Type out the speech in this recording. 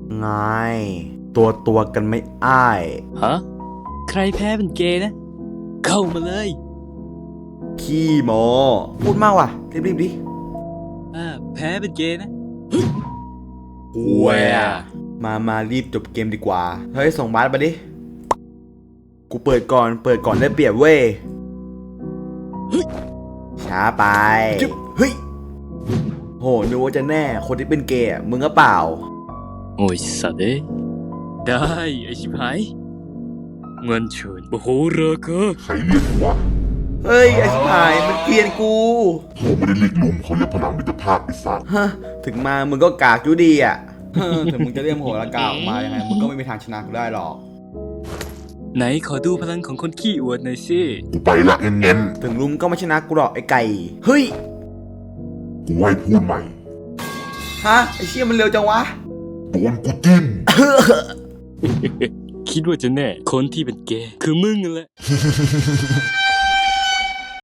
ไงตัวกันไม่อ้ายฮะใครแพ้เป็นเกย์นะเข้ามาเลยขี้โมพูดมากว่ะรีบดิแพ้เป็นเกย์นะห่วยอะมารีบจบเกมดีกว่าเฮ้ยส่งบาสมาดิกูเปิดก่อนได้เปรียบเว้ยช้าไปเฮ้ยโหนึกว่าจะแน่คนที่เป็นเกย์มึงก็เปล่าโอ้ยสัตว์เอ้ยได้ไอชิบหายเงินเชิญโอ้โหเรอเกอใครเรียกวะเฮ้ยไอ้ชิบหายมันเกลียนกูเขาไม่ได้เรียกลุงเขาเรียกพลังมิตรภาพไอ้สัตว์ฮะถึงมามึงก็กากอยู่ดีอ่ะถึงมึงจะเรียกโหระกาออกมายังไงมึงก็ไม่มีทางชนะกูได้หรอกไหนขอดูพลังของคนขี้อวดหน่อยสิกูไปละเน้นถึงลุมก็ไม่ชนะกูหรอกไอ้ไก่เฮ้ยๆกูให้พูดใหม่ฮะไอ้เชี่ยมันเร็วจังวะโดนกูจิ้มคิดว่าจะแน่คนที่เป็นเกย์คือมึงนั่นแหละ